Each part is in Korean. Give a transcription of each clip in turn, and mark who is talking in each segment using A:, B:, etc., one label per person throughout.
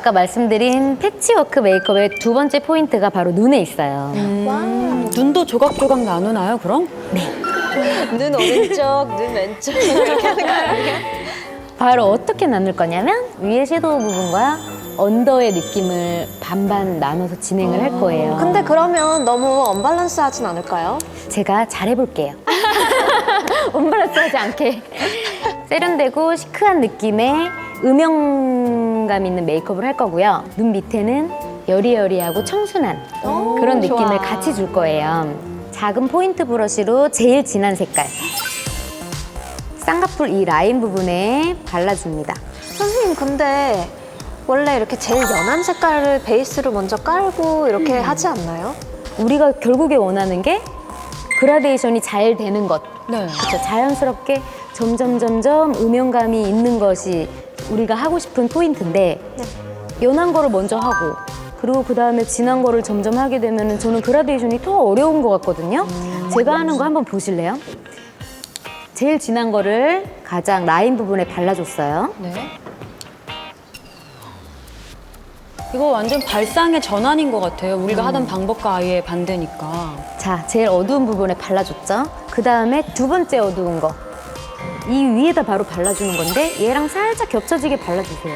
A: 아까 말씀드린 패치워크 메이크업의 두 번째 포인트가 바로 눈에 있어요.
B: 눈도 조각조각 나누나요, 그럼?
C: 눈 오른쪽, 눈 왼쪽 이렇게 하는 거 아니에요?
A: 바로 어떻게 나눌 거냐면 위에 섀도우 부분과 언더의 느낌을 반반 나눠서 진행을 할 거예요.
C: 근데 그러면 너무 언밸런스 하진 않을까요?
A: 제가 잘해볼게요. 언밸런스하지 않게 세련되고 시크한 느낌의 음영감 있는 메이크업을 할 거고요. 눈 밑에는 여리여리하고 청순한 그런 느낌을
C: 좋아.
A: 같이 줄 거예요. 작은 포인트 브러쉬로 제일 진한 색깔 쌍꺼풀 이 라인 부분에 발라줍니다.
C: 선생님 근데 원래 이렇게 제일 연한 색깔을 베이스로 먼저 깔고 이렇게 하지 않나요?
A: 우리가 결국에 원하는 게 그라데이션이 잘 되는 것.
B: 네.
A: 그렇죠. 자연스럽게 점점 음영감이 있는 것이 우리가 하고 싶은 포인트인데 연한 거를 먼저 하고 그리고 그 다음에 진한 거를 점점 하게 되면 저는 그라데이션이 더 어려운 것 같거든요. 제가 하는 거 한번 보실래요? 제일 진한 거를 가장 라인 부분에 발라줬어요.
B: 네. 이거 완전 발상의 전환인 것 같아요. 우리가 하던 방법과 아예 반대니까.
A: 자, 제일 어두운 부분에 발라줬죠. 그 다음에 두 번째 어두운 거. 이 위에다 바로 발라주는 건데 얘랑 살짝 겹쳐지게 발라주세요.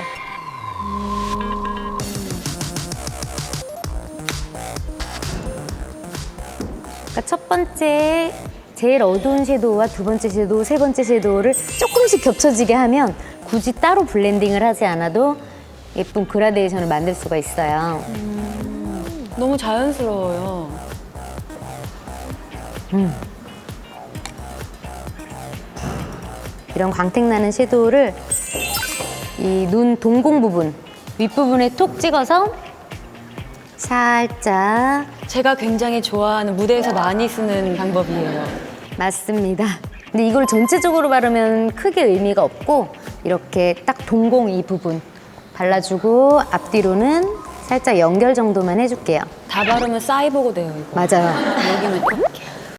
A: 그러니까 첫 번째 제일 어두운 섀도우와 두 번째 섀도우, 세 번째 섀도우를 조금씩 겹쳐지게 하면 굳이 따로 블렌딩을 하지 않아도 예쁜 그라데이션을 만들 수가 있어요.
B: 너무 자연스러워요.
A: 이런 광택 나는 섀도우를 이 눈 동공 부분, 윗부분에 톡 찍어서 살짝
B: 제가 굉장히 좋아하는 무대에서 많이 쓰는 방법이에요.
A: 맞습니다. 근데 이걸 전체적으로 바르면 크게 의미가 없고 이렇게 딱 동공 이 부분 발라주고 앞뒤로는 살짝 연결 정도만 해줄게요.
B: 다 바르면 싸이보고 돼요, 이거.
A: 맞아요.
B: 여기는 이렇게.